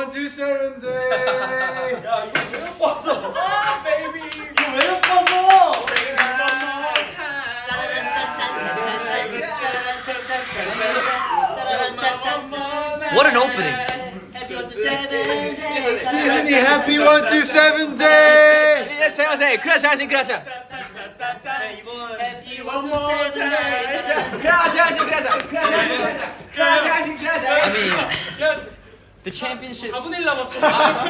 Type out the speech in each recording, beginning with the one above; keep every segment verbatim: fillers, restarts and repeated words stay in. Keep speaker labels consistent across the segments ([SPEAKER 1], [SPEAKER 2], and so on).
[SPEAKER 1] one two seven day.
[SPEAKER 2] 야 이거 왜 못 봤어?
[SPEAKER 3] 아 베이비
[SPEAKER 2] 이거 왜 못 봤어?
[SPEAKER 4] What an opening!
[SPEAKER 1] 시즌이 happy one two seven day.
[SPEAKER 4] 안녕하세요. 크라샤신 크라샤. 크라샤신 크라샤. 크라샤신 크라샤. I mean, the championship.
[SPEAKER 2] 사분의 일 남았어.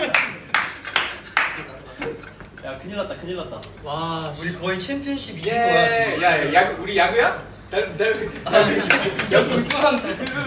[SPEAKER 2] 야 큰일 났다 큰일 났다.
[SPEAKER 4] 와,
[SPEAKER 3] 우리 거의 챔피언십 이긴
[SPEAKER 1] 예.
[SPEAKER 3] 거야 지금.
[SPEAKER 1] 야, 야구 우리 야구야? 달, 달, 야구 우승한.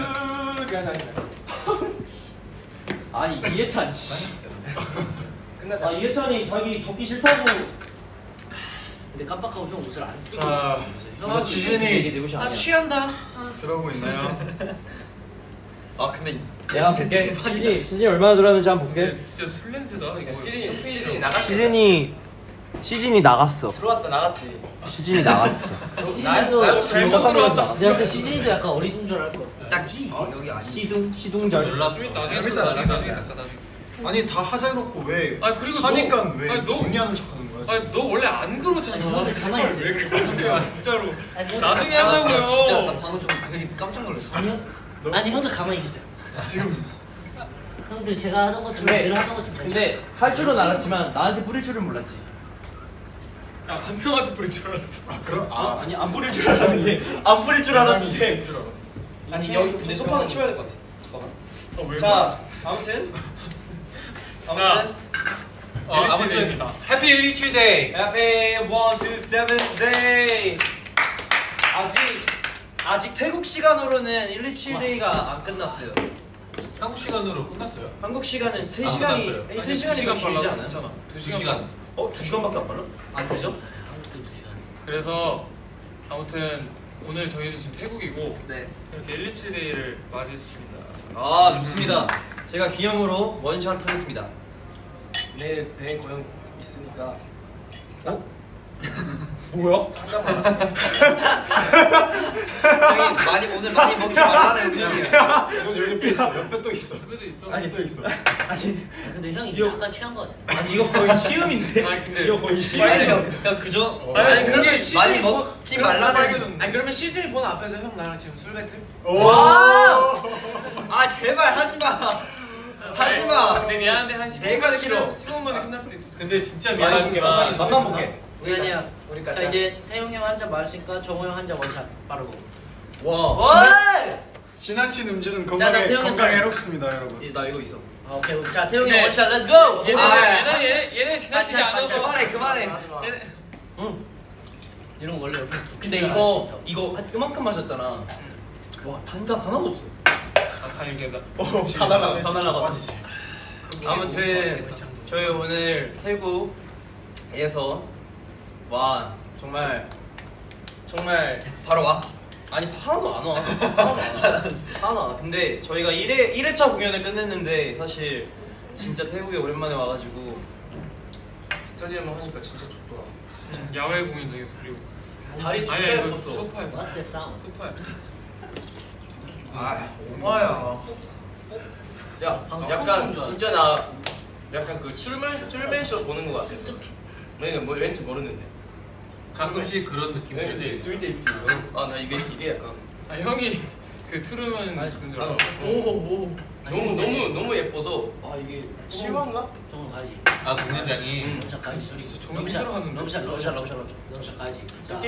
[SPEAKER 2] 아니 이해찬 씨.
[SPEAKER 3] 끝나자.
[SPEAKER 2] 아 이해찬이 자기 적기 싫다고.
[SPEAKER 3] 근데 깜빡하고 형 옷을 안 쓰고
[SPEAKER 1] 자,
[SPEAKER 3] 있었어.
[SPEAKER 1] 지진이
[SPEAKER 2] 내 옷이
[SPEAKER 4] 아
[SPEAKER 2] 아니야.
[SPEAKER 4] 취한다.
[SPEAKER 1] 들어오고 있나요?
[SPEAKER 3] 아 근데
[SPEAKER 2] 내가 볼게. 시즌이 시즌이 얼마나 들었는지 한번 볼게.
[SPEAKER 5] 진짜 술 냄새다 이거.
[SPEAKER 3] 시즌이 시즌이 나갔.
[SPEAKER 2] 시즌이 시즌이 나갔어.
[SPEAKER 3] 들어왔다 나갔지.
[SPEAKER 2] 시즌이 나갔어.
[SPEAKER 3] 나도 나도 잘못
[SPEAKER 2] 깜짝 놀랐다.
[SPEAKER 3] 들어왔다. 내가 그 시즌이도 약간 어리둥 줄 알고.
[SPEAKER 4] 딱지. 여기 아니.
[SPEAKER 2] 시둥 시둥절.
[SPEAKER 5] 몰랐어. 나중에
[SPEAKER 1] 재밌다,
[SPEAKER 5] 나중에
[SPEAKER 1] 재밌다.
[SPEAKER 5] 나중에 닥쳐 나중에.
[SPEAKER 1] 아니 다 하자 해놓고 왜
[SPEAKER 5] 아니, 그리고
[SPEAKER 1] 하니까
[SPEAKER 5] 너-
[SPEAKER 1] 왜
[SPEAKER 5] 아니, 너-
[SPEAKER 1] 정리하는 척하는 거야?
[SPEAKER 5] 아니 너 원래 안 그러잖아.
[SPEAKER 3] 아니, 원래 가만히 있어.
[SPEAKER 5] 왜 그러세요 진짜로.
[SPEAKER 3] 아니,
[SPEAKER 5] 나중에
[SPEAKER 3] 아,
[SPEAKER 5] 하자고요.
[SPEAKER 3] 진짜 나 방금 좀 되게 깜짝 놀랐어. 아니요.
[SPEAKER 1] 너-
[SPEAKER 3] 아니 형들 가만히 계세요.
[SPEAKER 1] 지금
[SPEAKER 3] 형들 제가 하던 것좀
[SPEAKER 2] 근데-
[SPEAKER 3] 늘 하던 것좀
[SPEAKER 2] 근데 할 줄은 알았지만 나한테 뿌릴 줄은 몰랐지.
[SPEAKER 5] 야한 명한테 뿌릴 줄 알았어.
[SPEAKER 1] 아 그럼
[SPEAKER 2] 아,
[SPEAKER 1] 아
[SPEAKER 2] 아니 안 뿌릴 줄 알았는데 안 뿌릴 줄 알았는데.
[SPEAKER 1] 줄 알았어.
[SPEAKER 2] 아니 여기 근데 소파는 치워야 될 것 같아. 잠깐만.
[SPEAKER 5] 어, 왜
[SPEAKER 2] 자 아무튼 아무튼
[SPEAKER 5] 어, 아무튼 해피 일일칠데이.
[SPEAKER 2] 해피 one two seven day. 아직 아직 태국 시간으로는 일이칠 데이가 안 끝났어요.
[SPEAKER 5] 한국 시간으로 끝났어요.
[SPEAKER 2] 한국 시간은 세
[SPEAKER 5] 아,
[SPEAKER 2] 시간이
[SPEAKER 5] 끝났어요.
[SPEAKER 2] 세
[SPEAKER 5] 아니,
[SPEAKER 2] 시간이
[SPEAKER 5] 두 시간
[SPEAKER 2] 길지
[SPEAKER 5] 빨라도
[SPEAKER 2] 않아요?
[SPEAKER 5] 괜찮아. 두 시간.
[SPEAKER 2] 시간. 어? 두 시간밖에 안 빨라? 안 되죠?
[SPEAKER 3] 한국도 두 시간.
[SPEAKER 5] 그래서 아무튼 오늘 저희는 지금 태국이고
[SPEAKER 4] 네.
[SPEAKER 5] 이렇게 일일칠데이를 맞이했습니다.
[SPEAKER 2] 아 좋습니다. 제가 기념으로 원샷 하겠습니다.
[SPEAKER 3] 내일 대회 고용 있으니까.
[SPEAKER 2] 어? 뭐야?
[SPEAKER 4] 저희 많이 오늘 많이 먹지 말라는 의견이에요.
[SPEAKER 1] 여기 옆에 있어. 옆에 또 있어.
[SPEAKER 5] 집에도 있어.
[SPEAKER 1] 아니 또 있어.
[SPEAKER 2] 아니
[SPEAKER 3] 근데 형이
[SPEAKER 2] 이거-
[SPEAKER 3] 약간 취한 것 같아.
[SPEAKER 2] 아니 이거 거의 시음인데.
[SPEAKER 5] 아니, 근데-
[SPEAKER 2] 이거 거의
[SPEAKER 4] 아니,
[SPEAKER 2] 시음이야.
[SPEAKER 4] 형 그저
[SPEAKER 5] 아니,
[SPEAKER 4] 아니,
[SPEAKER 5] 그러면
[SPEAKER 4] 그게
[SPEAKER 5] 시즌
[SPEAKER 4] 많이
[SPEAKER 5] 뭐-
[SPEAKER 4] 먹지
[SPEAKER 5] 그럼
[SPEAKER 4] 말라는.
[SPEAKER 5] 빨개졌는데. 아니 그러면 시즌 보는 앞에서 형 나랑 지금 술 배틀?
[SPEAKER 1] 오.
[SPEAKER 4] 아 제발 하지 마. 하지 마.
[SPEAKER 5] 근데 미안한데 한 십 분
[SPEAKER 4] 내가
[SPEAKER 5] 만에
[SPEAKER 4] 싫어.
[SPEAKER 5] 끝날- 십 분 만에 끝날 수도 있어. 근데 진짜
[SPEAKER 2] 많이 볼게.
[SPEAKER 5] 미안하지만
[SPEAKER 2] 맛만 볼게.
[SPEAKER 3] 우리 아니야.
[SPEAKER 5] 우리까지.
[SPEAKER 3] 자 이제 태용 형 한 잔 마셨으니까 정호 형 한 잔 원샷 빠르고.
[SPEAKER 2] 와.
[SPEAKER 1] 지나친 음주는
[SPEAKER 3] 나
[SPEAKER 1] 건강에
[SPEAKER 3] 태형이
[SPEAKER 1] 건강에
[SPEAKER 3] 형.
[SPEAKER 1] 해롭습니다, 여러분.
[SPEAKER 4] 나 이거 있어.
[SPEAKER 3] 아, 오케이. 자 태용 형
[SPEAKER 5] 네.
[SPEAKER 3] 원샷 렛츠 고.
[SPEAKER 5] 얘네
[SPEAKER 4] 아,
[SPEAKER 5] 얘네 얘네 얘네 지나치지
[SPEAKER 3] 반찬,
[SPEAKER 5] 않아서
[SPEAKER 3] 반찬.
[SPEAKER 4] 그만해 그만해.
[SPEAKER 5] 얘네
[SPEAKER 2] 응.
[SPEAKER 3] 이런 거 원래 옆에서
[SPEAKER 2] 근데 이거 이거 한 이만큼 마셨잖아. 와 탄산 하나도 없어.
[SPEAKER 5] 아다 이렇게 나.
[SPEAKER 1] 다 날라가.
[SPEAKER 2] 다 날라가.
[SPEAKER 1] 빠지지.
[SPEAKER 2] 아무튼 저희 오늘 태국에서 와 정말 정말
[SPEAKER 4] 바로 와.
[SPEAKER 2] 아니 하나도 안 와. 하나도 안 와. 하나도 안 와. 근데 저희가 일 회 일 회차 공연을 끝냈는데 사실 진짜 태국에 오랜만에 와가지고
[SPEAKER 3] 스타디움 하니까 진짜 좋더라.
[SPEAKER 5] 야외 공연장에서 그리고
[SPEAKER 3] 다리 진짜
[SPEAKER 5] 아니, 아니,
[SPEAKER 3] 예뻤어.
[SPEAKER 5] 소파에서.
[SPEAKER 3] What's that sound?
[SPEAKER 5] 소파야.
[SPEAKER 4] 아
[SPEAKER 3] 엄마야.
[SPEAKER 6] 야, 약간 진짜 나 약간 그 출맨 출맨쇼 보는 거 같았어. 내가 뭐 왠지 모르는데.
[SPEAKER 5] 가끔씩 그런 느낌이
[SPEAKER 6] 네,
[SPEAKER 2] 있을 때 있지.
[SPEAKER 6] 아, 나 이게 이게 약간
[SPEAKER 5] 아 형이 그 트루먼 그런 줄
[SPEAKER 6] 아,
[SPEAKER 5] 알았어.
[SPEAKER 6] 오오 너무 너무 너무 예뻐서 아 이게 실화인가?
[SPEAKER 3] 정호 가야지.
[SPEAKER 5] 아 공연장이.
[SPEAKER 3] 러브샷 가야지. 소리.
[SPEAKER 5] 진짜 정말
[SPEAKER 3] 러브샷,
[SPEAKER 5] 힘들어하는데.
[SPEAKER 3] 러브샷, 러브샷, 러브샷, 러브샷, 러브샷 가야지. 자.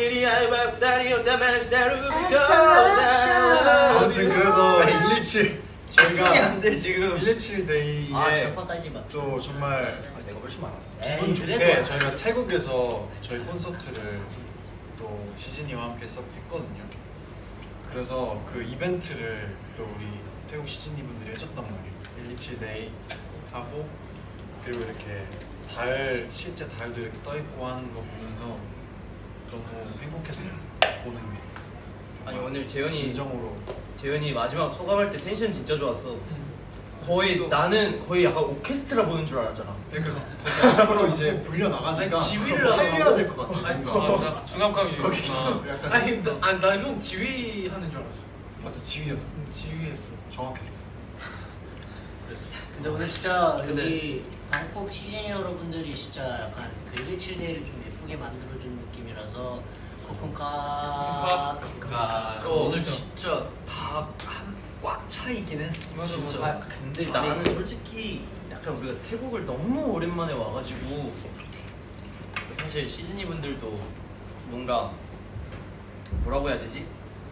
[SPEAKER 1] 아무튼 그래서 일이칠 저희가
[SPEAKER 4] 안돼 지금.
[SPEAKER 1] 일이칠 데이에
[SPEAKER 3] 아 절판 따지지 마.
[SPEAKER 1] 또 정말
[SPEAKER 2] 아, 내가 훨씬 많았어.
[SPEAKER 1] 기분
[SPEAKER 3] 에이,
[SPEAKER 1] 좋게
[SPEAKER 3] 그래도.
[SPEAKER 1] 저희가 태국에서 저희 콘서트를 또 시즌이와 함께 썩 했거든요. 그래서 그 이벤트를 또 우리 태국 시즌이 분들이 해줬단 말이에요. 일이칠 데이 하고 그리고 이렇게 달 실제 달도 이렇게 떠 있고 하는 거 보면서 너무 행복했어요. 보는 게.
[SPEAKER 2] 아니 오늘 재현이
[SPEAKER 1] 진정으로
[SPEAKER 2] 재현이 마지막 소감할 때 텐션 진짜 좋았어. 거의 나는 거의 약간 오케스트라 보는 줄 알았잖아.
[SPEAKER 1] 그러니까 앞으로 이제 불려 나가니까
[SPEAKER 5] 아니, 지휘를
[SPEAKER 1] 살려야 될 것 같아.
[SPEAKER 5] 아니
[SPEAKER 1] 뭔가.
[SPEAKER 5] 맞아. 중압감이
[SPEAKER 1] 거기
[SPEAKER 5] 있구나.
[SPEAKER 1] 약간
[SPEAKER 5] 아니 나형 지휘하는 줄 알았어.
[SPEAKER 1] 맞아 지휘였어.
[SPEAKER 5] 지휘했어.
[SPEAKER 1] 정확했어.
[SPEAKER 5] 그랬어.
[SPEAKER 3] 근데 오늘 진짜
[SPEAKER 4] 근데-
[SPEAKER 3] 여기 방콕 시즌 여러분들이 진짜 약간 그 일이칠 데이를 좀 예쁘게 만들어준 느낌이라서 코쿤카
[SPEAKER 5] 그러니까
[SPEAKER 4] 그 오늘 진짜 다꽉 차 있긴 했어.
[SPEAKER 5] 맞아,
[SPEAKER 4] 진짜.
[SPEAKER 5] 맞아.
[SPEAKER 2] 아 근데 나는 솔직히 약간 우리가 태국을 너무 오랜만에 와가지고 사실 시즈니 분들도 뭔가 뭐라고 해야 되지?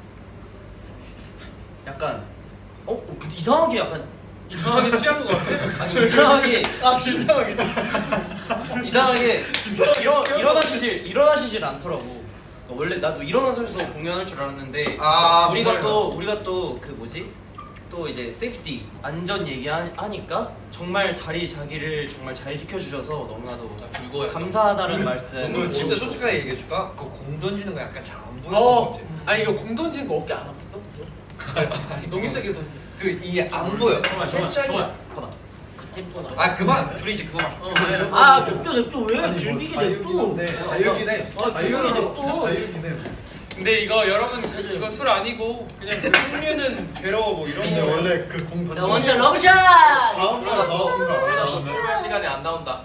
[SPEAKER 2] 약간 어? 어 근데 이상하게 약간
[SPEAKER 5] 이상하게 취한 것 같아.
[SPEAKER 2] 아니 이상하게 아 이상하게 이상하게 일어 일어나시질 일어나시질 않더라고. 그러니까 원래 나도 일어나서서 공연할 줄 알았는데
[SPEAKER 6] 아,
[SPEAKER 2] 우리가
[SPEAKER 6] 정말요?
[SPEAKER 2] 또 우리가 또 그 뭐지 또 이제 세이프티 안전 얘기하니까 정말 자리 자기를 정말 잘 지켜주셔서 너무나도
[SPEAKER 6] 그거 약간-
[SPEAKER 2] 감사하다는 말씀.
[SPEAKER 4] 오늘 진짜 솔직하게 얘기해줄까? 그 공 던지는 거 약간 잘 안 보여.
[SPEAKER 5] 어. 아니 이거 공 던지는 거 어깨 안 아팠어? 너무 세게 던져.
[SPEAKER 4] 그 이게 안 보여.
[SPEAKER 2] 정말 정말
[SPEAKER 4] 살짝이-
[SPEAKER 2] 정말 봐봐.
[SPEAKER 3] 그 템포나
[SPEAKER 4] 아 그만 둘이지 그만.
[SPEAKER 5] 어, 왜?
[SPEAKER 3] 아 냅둬 냅둬 왜
[SPEAKER 1] 아니, 뭐
[SPEAKER 3] 즐기게
[SPEAKER 1] 자유긴
[SPEAKER 3] 냅둬
[SPEAKER 1] 한데, 자유긴 해.
[SPEAKER 3] 아,
[SPEAKER 1] 자유긴
[SPEAKER 3] 자유긴
[SPEAKER 1] 해.
[SPEAKER 3] 냅둬.
[SPEAKER 1] 자유긴 해.
[SPEAKER 5] 근데 이거 여러분 이거 술 아니고 그냥 그 풍류는 괴로워 뭐 이런
[SPEAKER 1] 근데
[SPEAKER 5] 거.
[SPEAKER 1] 원래 그 공
[SPEAKER 3] 자
[SPEAKER 1] 던지면
[SPEAKER 3] 원샷 러브샷
[SPEAKER 1] 다음 거
[SPEAKER 6] 그러다
[SPEAKER 1] 나오는 거
[SPEAKER 6] 그러다
[SPEAKER 1] 알아?
[SPEAKER 6] 출발 시간에 안 나온다.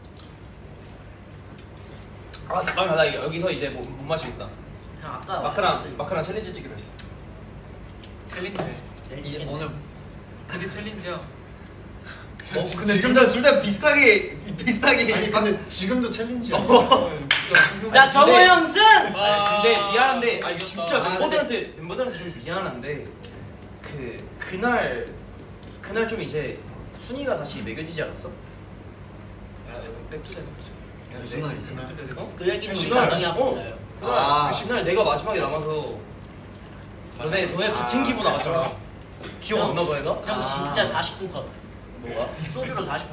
[SPEAKER 2] 아 잠깐만 나 여기서 이제 못, 못 마시겠다.
[SPEAKER 3] 형 아까
[SPEAKER 2] 마크랑 마크랑 챌린지 찍기로 했어.
[SPEAKER 5] 챌린지네.
[SPEAKER 4] 이게 오늘
[SPEAKER 5] 그게 챌린지야.
[SPEAKER 4] 어 근데 둘다둘다 비슷하게 비슷하게.
[SPEAKER 1] 아니 근데 지금도 챌린지야.
[SPEAKER 3] 자 정우 형 승!
[SPEAKER 2] 아, 근데 미안한데 아 이거 진짜
[SPEAKER 5] 아,
[SPEAKER 2] 멤버들한테 멤버들한테 좀 미안한데 그 그날 그날 좀 이제 순위가 다시 매겨지지 않았어?
[SPEAKER 5] 냅두자 냅두자.
[SPEAKER 4] 무슨 말이지?
[SPEAKER 2] 어?
[SPEAKER 3] 그 얘기는 우리
[SPEAKER 2] 그날,
[SPEAKER 3] 나중에 한번
[SPEAKER 2] 어.
[SPEAKER 3] 해요
[SPEAKER 2] 그날
[SPEAKER 4] 아.
[SPEAKER 2] 그 그날 내가 마지막에 남아서 너네 너네 다 챙기고 나갔잖아. 기억 안 나 봐 얘가?
[SPEAKER 3] 형
[SPEAKER 4] 아.
[SPEAKER 3] 진짜 사십 분 컷
[SPEAKER 2] 뭐가?
[SPEAKER 3] 소주로 사십 분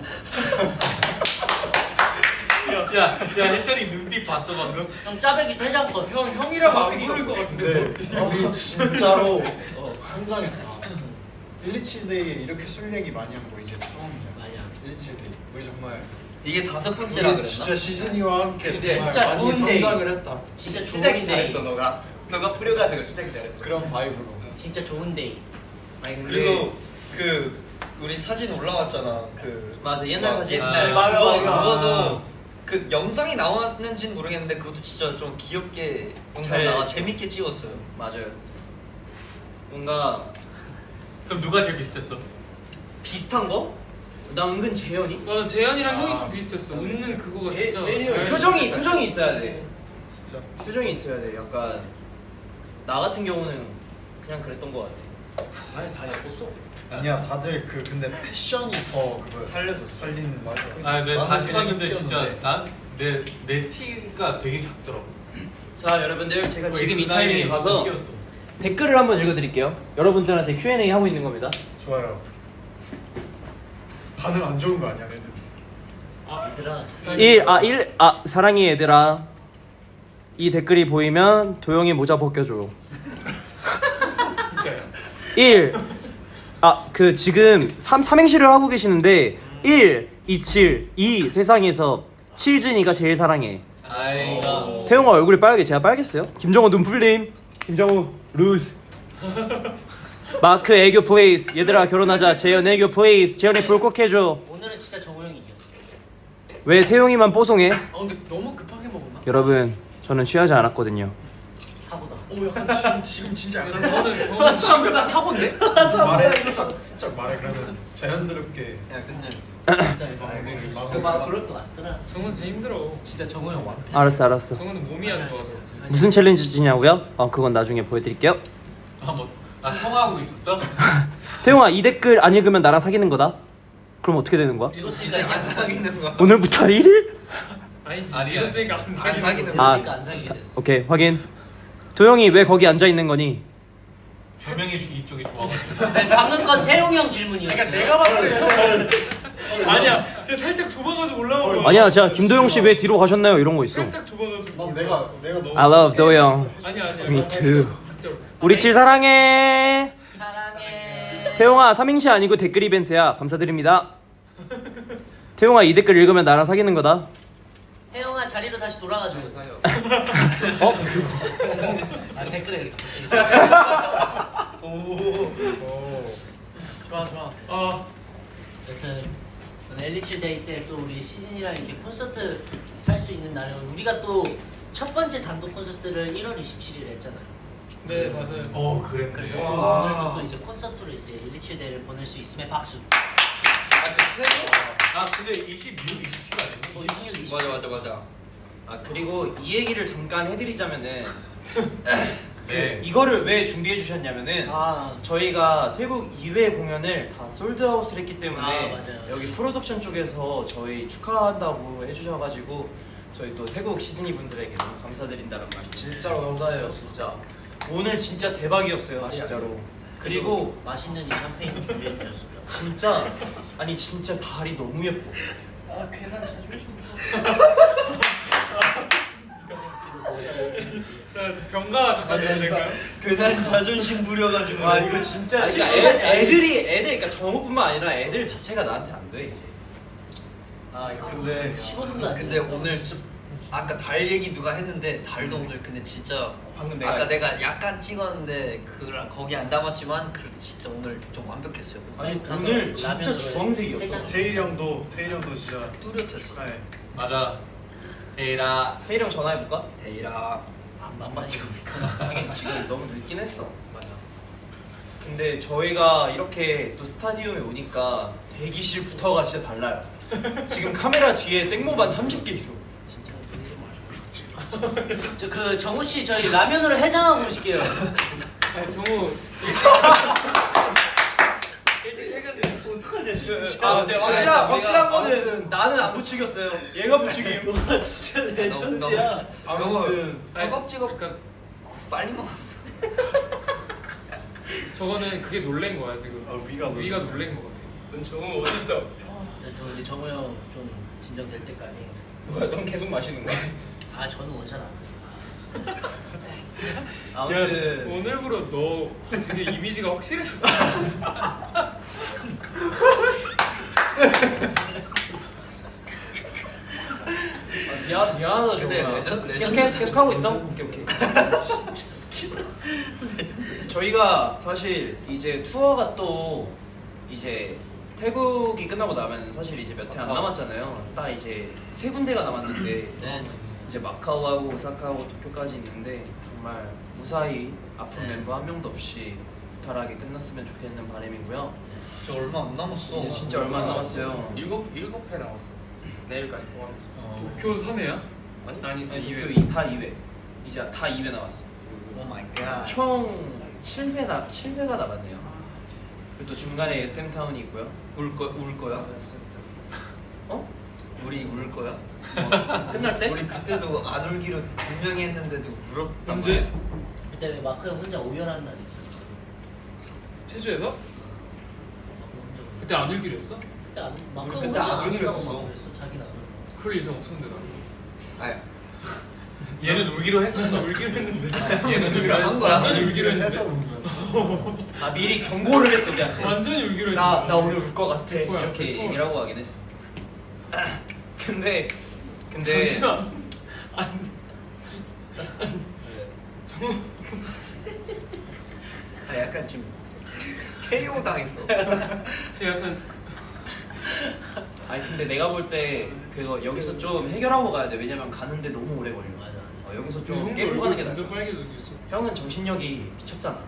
[SPEAKER 5] 야야 해철이 눈빛 봤어 방금?
[SPEAKER 3] 형 짜배기 세 장 컷
[SPEAKER 5] 형 형이라고 안 부를 것 같은데.
[SPEAKER 1] 근데 우리 진짜로 어, 성장했다. 일이칠 데이에 이렇게 술 얘기 많이 한 거 이제 처음이야.
[SPEAKER 3] 맞아
[SPEAKER 1] 일이칠 데이. 우리 정말
[SPEAKER 4] 이게 다섯 번째라
[SPEAKER 1] 우리
[SPEAKER 4] 그랬나?
[SPEAKER 1] 진짜 시즌이와 함께
[SPEAKER 4] 근데
[SPEAKER 1] 정말
[SPEAKER 3] 진짜
[SPEAKER 1] 많이
[SPEAKER 3] 좋은 데이.
[SPEAKER 1] 성장을 했다.
[SPEAKER 3] 진짜
[SPEAKER 6] 시작이
[SPEAKER 3] 좋은
[SPEAKER 6] 잘했어
[SPEAKER 3] 데이
[SPEAKER 6] 너가. 너가 뿌려가지고 시작이 잘했어.
[SPEAKER 1] 그런 바이브로.
[SPEAKER 3] 진짜 좋은 데이
[SPEAKER 2] 아니 근데
[SPEAKER 4] 그리고 그 우리 사진 올라왔잖아. 그
[SPEAKER 2] 맞아 옛날
[SPEAKER 4] 막
[SPEAKER 2] 사진.
[SPEAKER 4] 옛날
[SPEAKER 5] 아,
[SPEAKER 3] 맞아,
[SPEAKER 4] 그거
[SPEAKER 3] 맞아.
[SPEAKER 4] 그거도 그 영상이 나왔는지는 모르겠는데 그것도 진짜 좀 귀엽게 영상
[SPEAKER 2] 잘
[SPEAKER 4] 나와
[SPEAKER 2] 찍-
[SPEAKER 4] 재밌게 찍었어요.
[SPEAKER 2] 맞아요. 뭔가
[SPEAKER 5] 그럼 누가 제일 비슷했어?
[SPEAKER 2] 비슷한 거? 나 은근 재현이?
[SPEAKER 5] 맞아 재현이랑
[SPEAKER 2] 아.
[SPEAKER 5] 형이 좀 비슷했어. 웃는 그거가
[SPEAKER 6] 제-
[SPEAKER 5] 진짜.
[SPEAKER 6] 제일이 형이
[SPEAKER 2] 표정이
[SPEAKER 6] 진짜
[SPEAKER 2] 표정이 있어야 돼.
[SPEAKER 1] 진짜.
[SPEAKER 2] 표정이 있어야 돼. 약간 나 같은 경우는 그냥 그랬던 것 같아.
[SPEAKER 6] 아니 다 예뻤어.
[SPEAKER 1] 아니야 다들 그 근데 패션이 더 그거
[SPEAKER 2] 살려줬어.
[SPEAKER 1] 살리는 맞아.
[SPEAKER 7] 아, 네
[SPEAKER 1] 나는
[SPEAKER 7] 다시
[SPEAKER 1] 그냥
[SPEAKER 7] 봤는데 진짜
[SPEAKER 1] 튀었는데.
[SPEAKER 7] 난내 내 티가 되게 작더라고.
[SPEAKER 2] 자 여러분들 제가
[SPEAKER 7] 거의
[SPEAKER 2] 지금 이
[SPEAKER 7] 그 나이에
[SPEAKER 2] 타이밍에 가서
[SPEAKER 7] 티였어.
[SPEAKER 2] 댓글을 한번 읽어드릴게요. 여러분들한테 큐 앤 에이 하고 있는 겁니다.
[SPEAKER 1] 좋아요. 반응 안 좋은 거 아니야 얘는?
[SPEAKER 3] 얘들아
[SPEAKER 2] 일 아 일 아 사랑해 얘들아. 이 댓글이 보이면 도영이 모자 벗겨줘.
[SPEAKER 5] 진짜야.
[SPEAKER 2] 일 아 그 지금 삼 삼행시를 하고 계시는데 일 이칠 이 세상에서 칠진이가 제일 사랑해.
[SPEAKER 7] 아이가.
[SPEAKER 2] 태용아 얼굴이 빨개. 제가 빨겠어요? 김정호 눈풀림. 김정호 루즈. 마크 애교 플레이스. 얘들아 결혼하자. 재현 애교 플레이스. 재현이 불콕해줘.
[SPEAKER 3] 오늘은 진짜 정우 형이 이겼어
[SPEAKER 2] 왜 태용이만 뽀송해?
[SPEAKER 5] 아 근데 너무 급하게 먹었나?
[SPEAKER 2] 여러분 저는 취하지 않았거든요.
[SPEAKER 3] 사고다
[SPEAKER 1] 오 약간 지금 지금 진짜 약간
[SPEAKER 5] 저는 저는 사고다 사고인데?
[SPEAKER 1] 말해 살짝 살짝 말해 그러면 자연스럽게.
[SPEAKER 4] 야 근데
[SPEAKER 3] 진짜 이거
[SPEAKER 1] 말을
[SPEAKER 3] 그 말 그럴 것 같더라
[SPEAKER 5] 정은 진짜 힘들어.
[SPEAKER 3] 진짜 정우 형 완.
[SPEAKER 2] 알았어 알았어.
[SPEAKER 5] 정은은 몸이 안 좋아서.
[SPEAKER 2] 무슨 챌린지냐고요? 어 그건 나중에 보여드릴게요.
[SPEAKER 7] 아뭐 아, 통화하고 있었어?
[SPEAKER 2] 태용아 이 댓글 안 읽으면 나랑 사귀는 거다. 그럼 어떻게 되는 거야?
[SPEAKER 3] 읽었으니까
[SPEAKER 4] 진짜
[SPEAKER 3] 안
[SPEAKER 4] 안
[SPEAKER 3] 사귀
[SPEAKER 4] 사귀는 거야.
[SPEAKER 2] 오늘부터 일 일?
[SPEAKER 5] 아니지.
[SPEAKER 7] 아니야.
[SPEAKER 5] 이랬으니까 안
[SPEAKER 4] 안
[SPEAKER 5] 사귀는
[SPEAKER 4] 사귀는
[SPEAKER 5] 거.
[SPEAKER 2] 아.
[SPEAKER 3] 읽었으니까 안 사귀게 됐어
[SPEAKER 2] 오케이 확인. 도영이 왜 거기 앉아 있는 거니?
[SPEAKER 7] 세 명이 이쪽이 좋아가지고.
[SPEAKER 3] 네, 방금 건 태용 형 질문이었어
[SPEAKER 5] 그러니까 내가 봤을 때 아니야. 제가 살짝 좁아가지고 올라온 거야.
[SPEAKER 2] 아니야 제가 김도영 씨 왜 뒤로 가셨나요? 이런 거 있어.
[SPEAKER 5] 살짝 좁아가지고.
[SPEAKER 1] 난 내가 내가 너무.
[SPEAKER 2] I love 도영.
[SPEAKER 5] 아니야 아니야.
[SPEAKER 2] Me too.
[SPEAKER 5] 진짜로.
[SPEAKER 2] 우리 칠 사랑해.
[SPEAKER 3] 사랑해
[SPEAKER 2] 태용아 삼행시 아니고 댓글 이벤트야. 감사드립니다. 태용아 이 댓글 읽으면 나랑 사귀는 거다.
[SPEAKER 3] 태용아 자리로 다시 돌아가줘
[SPEAKER 6] 사요.
[SPEAKER 2] 어?
[SPEAKER 3] 아 댓글에 이렇게
[SPEAKER 5] 좋아 좋아. 어.
[SPEAKER 3] 여튼 오늘 엘리칠 데이 때 또 우리 시즌이랑 이렇게 콘서트 할 수 있는 날은 우리가 또 첫 번째 단독 콘서트를 일월 이십칠일에 했잖아요.
[SPEAKER 5] 네 맞아요.
[SPEAKER 7] 어 그랬네.
[SPEAKER 3] 그래서
[SPEAKER 7] 와.
[SPEAKER 3] 오늘도 또 이제 콘서트로 이제 일칠 데이를 보낼 수 있음에 박수.
[SPEAKER 7] 아 근데 이십육, 이십칠
[SPEAKER 3] 어,
[SPEAKER 7] 아니야?
[SPEAKER 3] 이십육, 이십칠.
[SPEAKER 4] 맞아 맞아 맞아.
[SPEAKER 2] 아 그리고 이 얘기를 잠깐 해드리자면은
[SPEAKER 7] 네.
[SPEAKER 2] 이거를 왜 준비해 주셨냐면은
[SPEAKER 3] 아
[SPEAKER 2] 저희가 태국 이외 공연을 다 솔드아웃을 했기 때문에
[SPEAKER 3] 아, 맞아요.
[SPEAKER 2] 여기 프로덕션 쪽에서 저희 축하한다고 해주셔가지고 저희 또 태국 시즈니 분들에게 너무 감사드린다는 말씀.
[SPEAKER 6] 진짜로 감사해요 진짜.
[SPEAKER 2] 오늘 진짜 대박이었어요
[SPEAKER 6] 말이 안
[SPEAKER 2] 진짜로. 그리고
[SPEAKER 3] 맛있는 이 샴페인을 준비해 주셨습니다.
[SPEAKER 2] 진짜 아니 진짜 달이 너무 예뻐.
[SPEAKER 3] 아 괜한 자존심.
[SPEAKER 5] 병가 잠깐 해야 될까요?
[SPEAKER 2] 그날 자존심 부려가지고 아 이거 진짜
[SPEAKER 3] 아니,
[SPEAKER 2] 그러니까
[SPEAKER 3] 시간이
[SPEAKER 2] 애, 애들이 애들 그러니까 정우뿐만 아니라 애들 자체가 나한테 안 돼 이제.
[SPEAKER 3] 아 이거
[SPEAKER 1] 근데
[SPEAKER 3] 십오 분도 안
[SPEAKER 4] 근데
[SPEAKER 3] 지났어.
[SPEAKER 4] 오늘 아까 달 얘기 누가 했는데 달도 오늘 근데 진짜
[SPEAKER 2] 방금 내가
[SPEAKER 4] 아까
[SPEAKER 2] 했어.
[SPEAKER 4] 내가 약간 찍었는데 그랑 거기 안 담았지만 그래도 진짜 오늘 좀 완벽했어요.
[SPEAKER 2] 아니
[SPEAKER 3] 가서
[SPEAKER 2] 오늘 진짜
[SPEAKER 3] 라면으로
[SPEAKER 2] 주황색이었어.
[SPEAKER 3] 해장.
[SPEAKER 1] 태일이 형도 태일이 형도 진짜
[SPEAKER 4] 뚜렷했어.
[SPEAKER 1] 축하해.
[SPEAKER 7] 맞아. 에라.
[SPEAKER 2] 혜이랑 전화해볼까?
[SPEAKER 4] 데이라.
[SPEAKER 3] 안 맞죠?
[SPEAKER 2] 하긴 지금 너무 늦긴 했어. 맞아. 근데 저희가 이렇게 또 스타디움에 오니까 대기실부터가 진짜 달라요. 지금 카메라 뒤에 땡모반 삼십 개 있어.
[SPEAKER 3] 진짜 저 그 정우 씨 저희 라면으로 해장하고 오실게요.
[SPEAKER 5] 아, 정우 일찍 퇴근.
[SPEAKER 2] 아, 근데 확실한
[SPEAKER 4] 우리가
[SPEAKER 2] 확실한 거는
[SPEAKER 1] 아무튼-
[SPEAKER 2] 나는 안 부추겼어요. 얘가 부추김.
[SPEAKER 3] 와 진짜 레전드야.
[SPEAKER 1] 아무튼
[SPEAKER 4] 허겁지겁
[SPEAKER 5] 그러니까
[SPEAKER 4] 빨리 먹었어.
[SPEAKER 5] 저거는 그게 놀란 거야 지금.
[SPEAKER 1] 아, 위가 놀란
[SPEAKER 5] 위가
[SPEAKER 1] 거야.
[SPEAKER 5] 놀란 거 같아.
[SPEAKER 6] 넌 정우 어디 있어?
[SPEAKER 3] 저 이제 정우 형 좀 진정될 때까지.
[SPEAKER 2] 뭐야, 넌 계속 마시는 거야?
[SPEAKER 3] 아 저는 원샷 안 해요.
[SPEAKER 2] 아무튼
[SPEAKER 5] 오늘부로 너 되게 이미지가 확실해졌다.
[SPEAKER 2] 아, 미안 미안하다
[SPEAKER 4] 근데
[SPEAKER 2] 정우야.
[SPEAKER 4] 레전-
[SPEAKER 2] 계속
[SPEAKER 4] 레전드
[SPEAKER 2] 계속 하고 있어? 오케이 오케이. 저희가 사실 이제 투어가 또 이제 태국이 끝나고 나면 사실 이제 몇 회 안
[SPEAKER 4] 마카오.
[SPEAKER 2] 남았잖아요. 딱 이제 세 군데가 남았는데
[SPEAKER 3] 네.
[SPEAKER 2] 이제 마카오하고 오사카하고 도쿄까지 있는데 정말 무사히 아픈
[SPEAKER 3] 네.
[SPEAKER 2] 멤버 한 명도 없이 무탈하게 끝났으면 좋겠는 바람이고요.
[SPEAKER 4] 저 얼마 안 남았어.
[SPEAKER 2] 이제 진짜 얼마 안 남았어요.
[SPEAKER 6] 일곱 일곱 회 남았어. 내일까지 포함해서.
[SPEAKER 5] 도쿄 삼 회야?
[SPEAKER 6] 아니?
[SPEAKER 5] 아니
[SPEAKER 2] 아니,
[SPEAKER 5] 이
[SPEAKER 2] 도쿄
[SPEAKER 5] 회.
[SPEAKER 2] 이 다 이 회. 이제 다 이 회 남았어.
[SPEAKER 4] 오 마이 갓.
[SPEAKER 2] 총 칠 회 나, 칠 회가 남았네요. 그리고 또 중간에 에스엠 타운이 있고요.
[SPEAKER 4] 울거울 거야?
[SPEAKER 2] 어?
[SPEAKER 4] 우리 울 거야?
[SPEAKER 2] 어, 끝날 때?
[SPEAKER 4] 우리 그때도 안 울기로 분명히 했는데도 울었단
[SPEAKER 5] 언제?
[SPEAKER 4] 말이야.
[SPEAKER 3] 그때 왜 마크 형 혼자 오열한 날 있었어?
[SPEAKER 5] 체주에서?
[SPEAKER 3] 마크 혼자 오열.
[SPEAKER 5] 그때 안 울기로 했어?
[SPEAKER 3] 그때 안 마크
[SPEAKER 2] 우리
[SPEAKER 3] 형
[SPEAKER 2] 그때
[SPEAKER 3] 혼자
[SPEAKER 2] 안 울기로
[SPEAKER 3] 울다고
[SPEAKER 2] 했었어.
[SPEAKER 3] 막 그랬어. 자기는 안 울고.
[SPEAKER 5] 그럴 예정 없었는데 나.
[SPEAKER 4] 아야.
[SPEAKER 7] 얘는 울기로 했었어. 울기로 했는데. 얘는 울기로
[SPEAKER 4] 한 거야?
[SPEAKER 5] 완전히 울기로 했는데.
[SPEAKER 2] 아 미리 경고를 했어 그냥.
[SPEAKER 5] 완전히 울기로 했는데.
[SPEAKER 2] 나, 나 오늘 울 것 같아.
[SPEAKER 5] 뭐야,
[SPEAKER 2] 이렇게
[SPEAKER 5] 그거.
[SPEAKER 2] 얘기를 하고 가긴 했어. 근데 근데
[SPEAKER 5] 잠시만. 안. 정우.
[SPEAKER 4] 아 약간 좀 케이오 당했어.
[SPEAKER 5] 제 약간
[SPEAKER 2] 아니 근데 내가 볼 때 그거 여기서 좀 해결하고 가야 돼. 왜냐면 가는데 너무 오래 걸려.
[SPEAKER 3] 맞아.
[SPEAKER 2] 어, 여기서
[SPEAKER 5] 좀
[SPEAKER 2] 좀
[SPEAKER 5] 형도
[SPEAKER 2] 깨고
[SPEAKER 5] 얼굴
[SPEAKER 2] 가는 게 나아.
[SPEAKER 5] 점점 빨개지고 있어.
[SPEAKER 2] 형은 정신력이 미쳤잖아.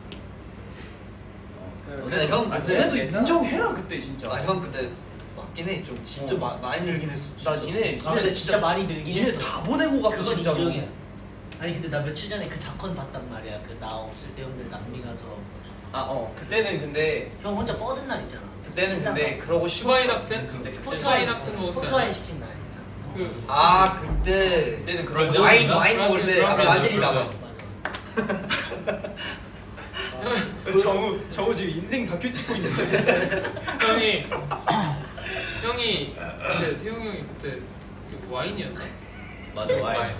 [SPEAKER 4] 근데 형
[SPEAKER 2] 아,
[SPEAKER 4] 그때
[SPEAKER 2] 그래도 인정해라 그때 진짜.
[SPEAKER 4] 아 형 근데 맞긴 해. 좀 진짜
[SPEAKER 2] 어.
[SPEAKER 4] 마, 많이 늘긴 했어.
[SPEAKER 2] 나 니네
[SPEAKER 3] 아 근데 진짜 많이 늘긴
[SPEAKER 2] 니네
[SPEAKER 3] 했어.
[SPEAKER 2] 다 보내고 갔어
[SPEAKER 3] 그건
[SPEAKER 2] 진짜.
[SPEAKER 3] 인정이야. 아니 근데 나 며칠 전에 그 작건 봤단 말이야. 그 나 없을 때 형들 남미 가서
[SPEAKER 2] 아어 그때는 근데
[SPEAKER 3] 형 혼자 뻗은 날 있잖아.
[SPEAKER 2] 그때는
[SPEAKER 3] 신랑
[SPEAKER 2] 근데
[SPEAKER 3] 가서.
[SPEAKER 2] 그러고
[SPEAKER 5] 슈바인
[SPEAKER 2] 쉬었어.
[SPEAKER 5] 학생?
[SPEAKER 2] 근데 그때
[SPEAKER 5] 포토아인 학생 먹었을 때
[SPEAKER 3] 포토아인 시킨 날 있잖아.
[SPEAKER 5] 그
[SPEAKER 4] 아 그때
[SPEAKER 2] 그때는 그러고
[SPEAKER 7] 브라질?
[SPEAKER 4] 와인
[SPEAKER 2] 쉬었어.
[SPEAKER 4] 와인 먹을 때 아,
[SPEAKER 5] 브라질,
[SPEAKER 4] 바질이다.
[SPEAKER 5] 브라질.
[SPEAKER 3] 맞아.
[SPEAKER 2] 정우 정우 지금 인생 다큐 찍고 있는데.
[SPEAKER 5] 형이 형이 근데 태용 형이 그때 그 와인이었나?
[SPEAKER 2] 맞아 와인.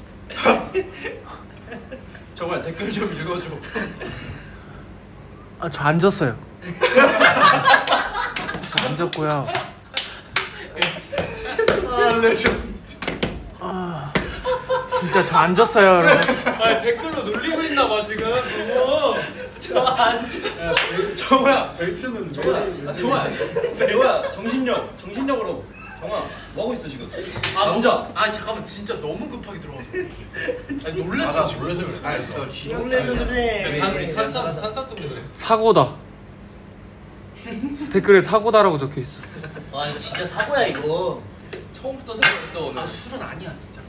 [SPEAKER 2] 정말 댓글 좀 읽어줘.
[SPEAKER 8] 아, 저 앉았어요. 저 앉았고요.
[SPEAKER 1] 아 레전드.
[SPEAKER 8] 아, 진짜 저 앉았어요, 여러분.
[SPEAKER 5] 아 댓글로 놀리고 있나 봐 지금. 너무
[SPEAKER 3] 저안
[SPEAKER 2] 정우야,
[SPEAKER 1] 벨트는
[SPEAKER 2] 정우야, 아, 정우야, 정우야, 정신력, 정신력으로. 정우야, 뭐 하고 있어 지금?
[SPEAKER 5] 아
[SPEAKER 2] 남자.
[SPEAKER 5] 너무- 아 잠깐만 진짜 너무 급하게 들어가서. 아니 놀랬어
[SPEAKER 1] 아,
[SPEAKER 5] 지금.
[SPEAKER 1] 놀라서 그래.
[SPEAKER 4] 아 진짜 취향
[SPEAKER 3] 놀래서 그래.
[SPEAKER 7] 탄산 탄산 때문에 그래.
[SPEAKER 8] 사고다. 댓글에 사고다라고 적혀 있어.
[SPEAKER 3] 와 이거 진짜 사고야 이거.
[SPEAKER 6] 처음부터 생각했어 오늘.
[SPEAKER 5] 아 술은 아니야 진짜.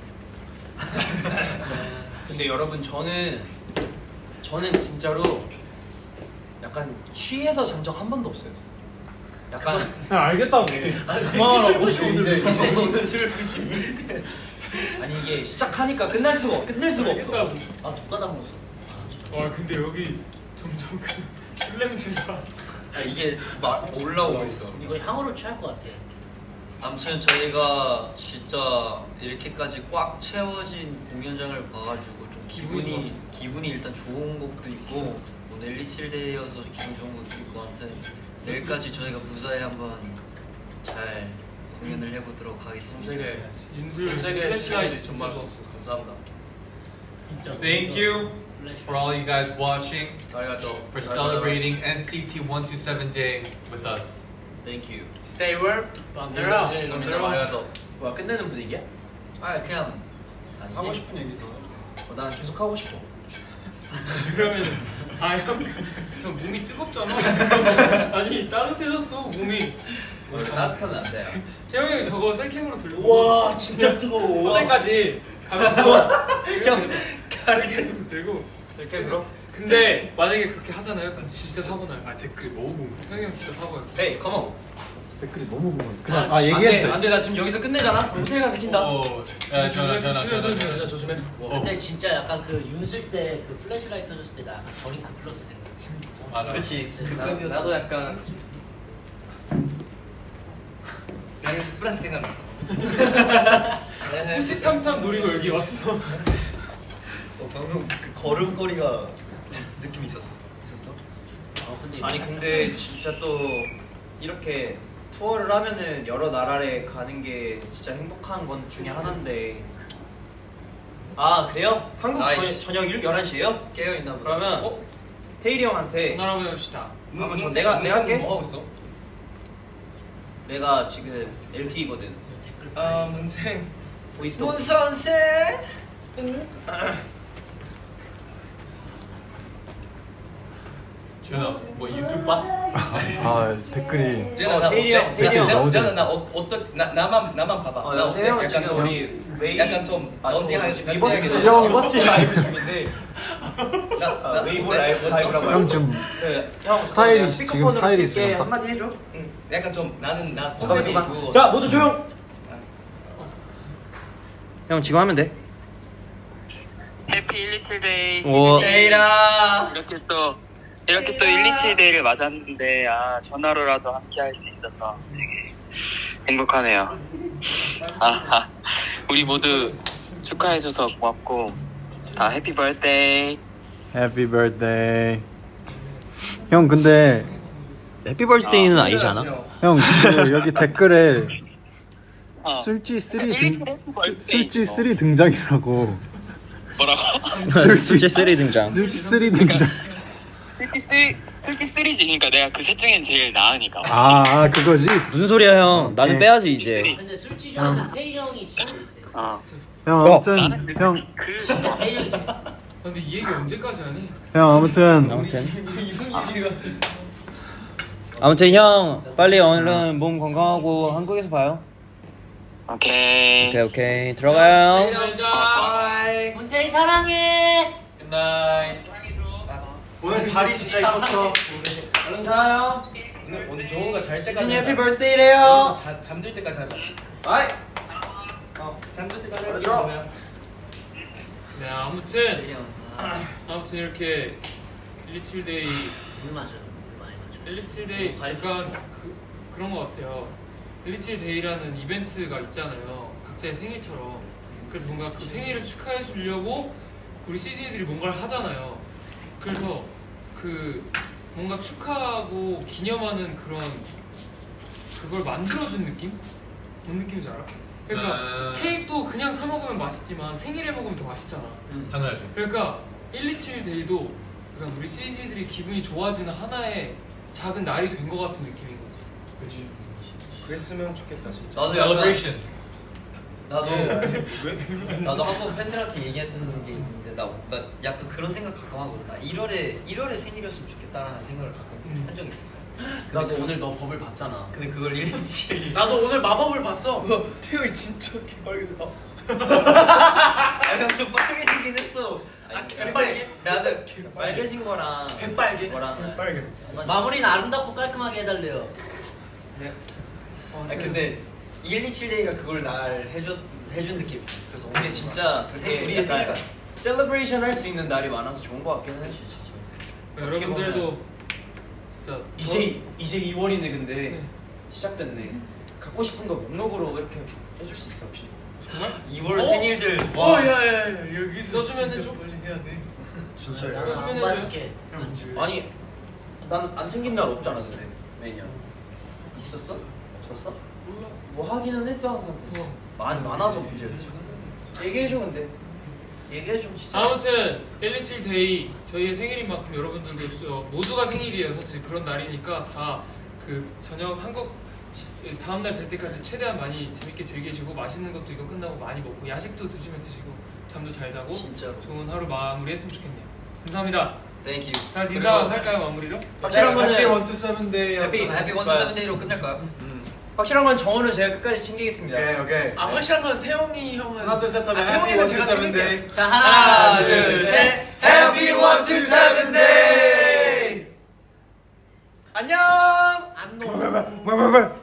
[SPEAKER 2] 근데 여러분 저는 저는 진짜로 약간 취해서 잔 적 한 번도 없어요. 약간
[SPEAKER 8] 야, 알겠다고.
[SPEAKER 2] 그만하라고 이제 오늘 술 아니 이게 시작하니까 끝날 수가 없- 끝낼 수가 없어.
[SPEAKER 3] 아 누가 다 먹었어?
[SPEAKER 7] 와 근데 여기 점점 그술 냄새가.
[SPEAKER 4] 아, 이게 막 올라오고 있어.
[SPEAKER 3] 이거 향으로 취할 것 같아.
[SPEAKER 4] 아무튼 저희가 진짜 이렇게까지 꽉 채워진 공연장을 봐가지고 좀 기분이 기분이 일단 좋은 것도 있고 오늘 일이칠데이여서 기분 좋은 것도 있고 아무튼 내일까지 저희가 무사히 한번 잘 공연을 해보도록 하겠습니다.
[SPEAKER 6] 세계
[SPEAKER 5] 윤슬
[SPEAKER 6] 세계
[SPEAKER 5] 플래시라이트
[SPEAKER 6] 시간이
[SPEAKER 5] 진짜
[SPEAKER 6] 정말
[SPEAKER 5] 좋았어.
[SPEAKER 6] 감사합니다.
[SPEAKER 7] Thank you for all you guys watching,
[SPEAKER 6] 아리가또.
[SPEAKER 7] for celebrating N C T one two seven Day with us.
[SPEAKER 2] Thank you.
[SPEAKER 5] Stay warm.
[SPEAKER 6] 맘대로 주진이 놈이다 아리가또.
[SPEAKER 2] 뭐야 끝내는 분위기야?
[SPEAKER 4] 아 그냥
[SPEAKER 1] 하고 싶은 얘기 더.
[SPEAKER 2] 어, 난 계속 하고 싶어.
[SPEAKER 7] 그러면 아형저 몸이 뜨겁잖아. 아니 따뜻해졌어 몸이.
[SPEAKER 2] 따뜻하면 안 돼.
[SPEAKER 7] 태영이 형이 저거 셀캠으로 들고.
[SPEAKER 3] 와 진짜 뜨거워.
[SPEAKER 7] 호텔까지 가면서 형 가르쳐 들고.
[SPEAKER 2] 셀캠으로?
[SPEAKER 7] 근데 만약에 그렇게 하잖아요. 그럼 진짜 사고 나요.
[SPEAKER 1] 아 댓글이 너무 궁금해.
[SPEAKER 7] 태영이 형 진짜 사고요.
[SPEAKER 2] 헤이, 컴온.
[SPEAKER 1] 댓글이 너무 궁금해.
[SPEAKER 5] 그냥-
[SPEAKER 1] 그냥 아,
[SPEAKER 2] 안 돼,
[SPEAKER 1] 얘기해.
[SPEAKER 2] 안 돼. 나 지금 여기서 끝내잖아. 그럼 호텔 가서 킨다.
[SPEAKER 7] 어, 야 전화 전화 전화.
[SPEAKER 6] 조심해 조심해.
[SPEAKER 3] 근데 진짜 약간 그 윤슬 때 그 플래시라이트 켜줬을 때 나 약간 저링크 플러스 생각.
[SPEAKER 7] 맞아.
[SPEAKER 4] 그렇지.
[SPEAKER 3] 진짜.
[SPEAKER 4] 그 나도 약간 그냥 플러스 생각났어.
[SPEAKER 7] 호시탐탐 노리고 여기 왔어.
[SPEAKER 4] 어, 방금 그 걸음걸이가 느낌 있었어. 있었어?
[SPEAKER 3] 어 근데
[SPEAKER 2] 아니 근데 진짜 또 이렇게 투어를 하면은 여러 나라에 가는 게 진짜 행복한 건 중에 하나인데 아 그래요? 한국
[SPEAKER 4] 나이스.
[SPEAKER 2] 저, 저녁 열한 시에요?
[SPEAKER 4] 깨어 있나 보다.
[SPEAKER 2] 그러면
[SPEAKER 7] 어?
[SPEAKER 2] 태일이 형한테
[SPEAKER 7] 전화 한번 해봅시다.
[SPEAKER 2] 한번 전 내가 내가 할게.
[SPEAKER 6] 뭐 하고 있어?
[SPEAKER 2] 내가 지금 엘티이거든.
[SPEAKER 6] 아 문생.
[SPEAKER 2] 보이스톡.
[SPEAKER 4] 문 선생.
[SPEAKER 7] 전화 뭐 유튜브 봐?
[SPEAKER 1] 아 댓글이
[SPEAKER 6] 제가
[SPEAKER 2] 어,
[SPEAKER 6] 나
[SPEAKER 2] 태일이 형, 태일이 형.
[SPEAKER 1] 너무
[SPEAKER 6] 저는 나 어, 어떤 나 나만 나만 봐봐.
[SPEAKER 2] 어,
[SPEAKER 6] 나
[SPEAKER 2] 형, 태일 형은
[SPEAKER 6] 약간
[SPEAKER 2] 지금
[SPEAKER 6] 좀
[SPEAKER 2] 우리 웨이
[SPEAKER 6] 약간 좀
[SPEAKER 2] 아, 저
[SPEAKER 6] 런닝하게
[SPEAKER 2] 리버스
[SPEAKER 1] 형.
[SPEAKER 2] 리버스 라이브 중인데
[SPEAKER 6] 나,
[SPEAKER 2] 아,
[SPEAKER 6] 나
[SPEAKER 2] 웨이브
[SPEAKER 6] 네?
[SPEAKER 2] 라이브 라이브라고
[SPEAKER 1] 형 지금
[SPEAKER 2] 네, 형
[SPEAKER 1] 스타일이
[SPEAKER 2] 내가
[SPEAKER 1] 지금
[SPEAKER 2] 스피커폰으로
[SPEAKER 1] 스타일이
[SPEAKER 2] 킬게.
[SPEAKER 1] 지금 딱-
[SPEAKER 2] 한마디 해줘.
[SPEAKER 6] 응, 약간 좀 나는 나
[SPEAKER 2] 잠깐만
[SPEAKER 6] 컨셉이
[SPEAKER 2] 잠깐.
[SPEAKER 6] 그거.
[SPEAKER 2] 자 모두 조용. 형 지금 하면 돼.
[SPEAKER 9] 해피 일이칠데이
[SPEAKER 2] 오.
[SPEAKER 4] 에이라.
[SPEAKER 9] 이렇게 또 이렇게 또 일이칠데이를 맞았는데 아 전화로라도 함께 할 수 있어서 되게 행복하네요. 아, 우리 모두 축하해줘서 고맙고 다 해피 버스데이.
[SPEAKER 1] 해피 birthday. 형 근데
[SPEAKER 2] 해피 벌스데이는 아니지 않아?
[SPEAKER 1] 형 그 여기 댓글에
[SPEAKER 9] 어.
[SPEAKER 1] 술지 쓰리
[SPEAKER 9] 일일이
[SPEAKER 1] 등
[SPEAKER 9] 해피
[SPEAKER 1] 술-
[SPEAKER 9] 버스데이.
[SPEAKER 1] 술지 쓰리 등장이라고.
[SPEAKER 9] 뭐라고?
[SPEAKER 1] 술지
[SPEAKER 2] 쓰리 등장.
[SPEAKER 1] 술지 쓰리 등장.
[SPEAKER 9] 술지 쓰리 술지 쓰리지. 그러니까 내가 그 셋 중엔 제일 나으니까.
[SPEAKER 1] 아, 아 그거지.
[SPEAKER 2] 무슨 소리야 형? 나는
[SPEAKER 1] 네.
[SPEAKER 2] 빼야지 이제.
[SPEAKER 3] 근데 술집 중에서 태일 형이 진짜 재밌어요.
[SPEAKER 9] 어.
[SPEAKER 1] 형
[SPEAKER 2] 어.
[SPEAKER 1] 아무튼
[SPEAKER 9] 나는 그,
[SPEAKER 1] 형
[SPEAKER 9] 그
[SPEAKER 3] 진짜 태일 형이 재밌어.
[SPEAKER 7] 근데 이 얘기 언제까지 하니?
[SPEAKER 1] 형 아무튼
[SPEAKER 2] 아무튼
[SPEAKER 6] 이런 얘기가.
[SPEAKER 2] 아무튼 형 빨리 얼른 몸 건강하고 한국에서 봐요.
[SPEAKER 9] 오케이.
[SPEAKER 2] 오케이 오케이 들어가요.
[SPEAKER 7] 자.
[SPEAKER 3] 문태일 사랑해.
[SPEAKER 7] 굿나잇.
[SPEAKER 1] 오늘 다리 진짜 이뻤어.
[SPEAKER 2] 얼른 자요.
[SPEAKER 6] 오늘 오늘 정우가 잘 때까지.
[SPEAKER 2] 시즌 해피
[SPEAKER 6] 하자.
[SPEAKER 2] 벌스데이래요.
[SPEAKER 6] 자, 잠들 때까지 하자.
[SPEAKER 2] 바이.
[SPEAKER 6] 어, 잠들 때까지 하자.
[SPEAKER 1] 맞아.
[SPEAKER 6] 그러면.
[SPEAKER 7] 네 아무튼 아무튼 이렇게 일이칠데이
[SPEAKER 3] 물 마셔. 물 많이 마셔.
[SPEAKER 7] 일이칠데이 약간 그 그런 것 같아요. 일이칠데이라는 이벤트가 있잖아요. 각자의 생일처럼. 그래서 뭔가 그 생일을 축하해 주려고 우리 씨진이들이 뭔가를 하잖아요. 그래서 그 뭔가 축하하고 기념하는 그런 그걸 만들어준 느낌? 뭔 느낌인지 알아? 그러니까
[SPEAKER 5] 아.
[SPEAKER 7] 케이크도 그냥 사 먹으면 맛있지만 생일에 먹으면 더 맛있잖아.
[SPEAKER 5] 당연하지.
[SPEAKER 7] 그러니까 일이칠 데이도 약간 우리 씨지들이 기분이 좋아지는 하나의 작은 날이 된 것 같은 느낌인 거지.
[SPEAKER 1] 그렇지. 그랬으면 좋겠다 진짜.
[SPEAKER 6] 나도 약간
[SPEAKER 4] 나도
[SPEAKER 1] 왜?
[SPEAKER 4] 나도 한 번 팬들한테 얘기했던 게 있는데 나, 나 약간 그런 생각 가끔 하거든. 나 일월에 일월에 생일이었으면 좋겠다라는 생각을 가끔
[SPEAKER 7] 음.
[SPEAKER 4] 한 적이 있어.
[SPEAKER 2] 나도 오늘 너 법을 봤잖아.
[SPEAKER 4] 근데 그걸 일일치
[SPEAKER 5] 나도 오늘 마법을 봤어.
[SPEAKER 1] 태영이 진짜 개빨개져.
[SPEAKER 2] 좀 빨개지긴 했어.
[SPEAKER 5] 아, 개빨개?
[SPEAKER 2] 나는 빨개진 거랑
[SPEAKER 5] 개빨개?
[SPEAKER 2] 거랑
[SPEAKER 1] 빨개. 진짜.
[SPEAKER 3] 마무리는 아름답고 깔끔하게 해달래요.
[SPEAKER 1] 네.
[SPEAKER 2] 어,
[SPEAKER 4] 아 근데 일이칠데이가 그걸 날 해줘 해준 느낌. 그래서
[SPEAKER 2] 근데
[SPEAKER 4] 오늘
[SPEAKER 2] 진짜
[SPEAKER 4] 생-
[SPEAKER 2] 되게
[SPEAKER 4] 우리의 생일
[SPEAKER 2] 약간
[SPEAKER 4] 같아.
[SPEAKER 2] 셀러브레이션 할 수 있는 날이 많아서 좋은 것 같긴 해. 진짜. 어떻게
[SPEAKER 7] 여러분들도 진짜
[SPEAKER 2] 이제 이제 이월이네 근데
[SPEAKER 7] 네.
[SPEAKER 2] 시작됐네. 갖고 싶은 거 목록으로 이렇게 해줄 수 있어 혹시?
[SPEAKER 7] 정말?
[SPEAKER 4] 이월
[SPEAKER 7] 어?
[SPEAKER 4] 생일들
[SPEAKER 5] 어, 야야야 여기서
[SPEAKER 7] 써주면
[SPEAKER 5] 진짜
[SPEAKER 7] 해줘?
[SPEAKER 5] 빨리 해야 돼.
[SPEAKER 1] 진짜요?
[SPEAKER 3] 나는
[SPEAKER 7] 써주면
[SPEAKER 3] 안
[SPEAKER 7] 해줘요?
[SPEAKER 3] 받을게.
[SPEAKER 2] 아니 난 안 챙긴 날 없잖아 근데 매년 있었어? 없었어?
[SPEAKER 7] 몰라.
[SPEAKER 2] 뭐 하기는 했어 항상.
[SPEAKER 7] 어.
[SPEAKER 2] 많이 많아서 문제였지. 얘기해줘 근데 얘기해줘 진짜.
[SPEAKER 7] 아무튼 일이칠 데이 저희의 생일인 만큼 여러분들도 수- 모두가 생일이에요. 사실 그런 날이니까 다 그 저녁 한국 시- 다음 날 될 때까지 최대한 많이 재밌게 즐기시고 맛있는 것도 이거 끝나고 많이 먹고 야식도 드시면 드시고 잠도 잘 자고
[SPEAKER 4] 진짜로.
[SPEAKER 7] 좋은 하루 마무리했으면 좋겠네요. 감사합니다.
[SPEAKER 4] Thank you.
[SPEAKER 7] 다 같이
[SPEAKER 4] 그리고
[SPEAKER 7] 인사할까요 마무리로?
[SPEAKER 2] 확실한 거는
[SPEAKER 1] 해피 원투 세븐데이.
[SPEAKER 2] 해피.
[SPEAKER 4] 해피 원투 세븐데이로 끝낼까요?
[SPEAKER 2] 음. 확실한 건 정원은 제가 끝까지 챙기겠습니다.
[SPEAKER 1] 오케이 오케이.
[SPEAKER 5] 아 확실한 건 태영이 형은
[SPEAKER 1] 하나 둘셋 하면
[SPEAKER 5] 아,
[SPEAKER 1] 해피
[SPEAKER 5] 태영이는
[SPEAKER 1] 원투
[SPEAKER 5] 제가
[SPEAKER 1] 세븐데이.
[SPEAKER 5] 챙길게요.
[SPEAKER 3] 자 하나,
[SPEAKER 2] 하나 둘 셋. 해피 원투 세븐데이. 안녕.
[SPEAKER 5] 안 놓아.
[SPEAKER 1] 뭐뭐뭐